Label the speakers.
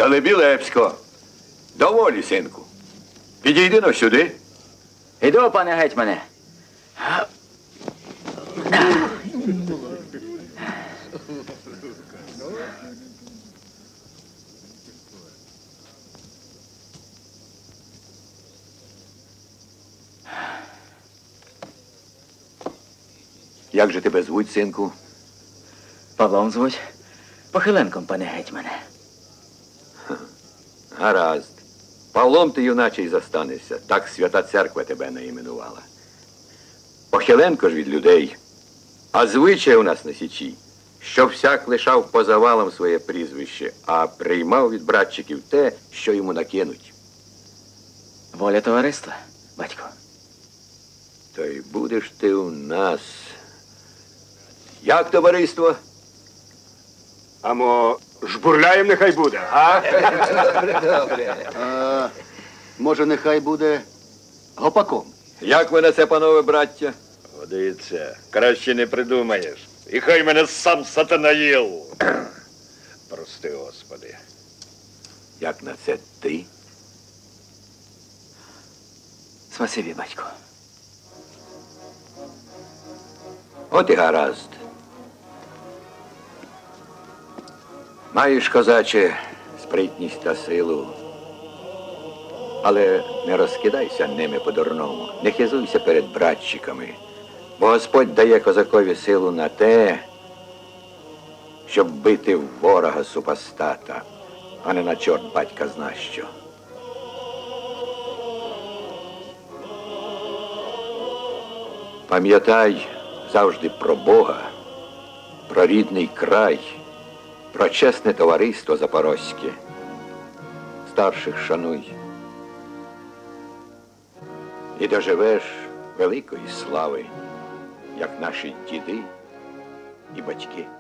Speaker 1: Далебілепсько. Доволі, синку. Підійди но сюди.
Speaker 2: Іду, пане гетьмане.
Speaker 1: Як же тебе звуть, синку?
Speaker 2: Павлом звуть. Похиленком, пане гетьмане.
Speaker 1: Гаразд. Павлом ти, юначе, й застанешся. Так свята церква тебе наіменувала. Похиленко ж від людей. А звичай у нас на Січі, щоб всяк лишав по завалам своє прізвище, а приймав від братчиків те, що йому накинуть.
Speaker 2: Воля товариства, батько.
Speaker 1: То й будеш ти у нас. Як товариство?
Speaker 3: Амо, жбурляєм нехай буде, а?
Speaker 4: Може, нехай буде гопаком.
Speaker 1: Як ви на це, панове браття?
Speaker 3: Годиться, краще не придумаєш. І хай мене сам сатанаїл. Прости, Господи.
Speaker 1: Як на це ти?
Speaker 2: Спасибі, батько.
Speaker 1: От і гаразд. Маєш, козаче, спритність та силу. Але не розкидайся ними по-дурному. Не хизуйся перед братчиками. Бо Господь дає козакові силу на те, щоб бити ворога супостата, а не на чорт батька зна що. Пам'ятай завжди про Бога, про рідний край, про чесне товариство запорозьке. Старших шануй. І доживеш великої слави, як наші діди і батьки.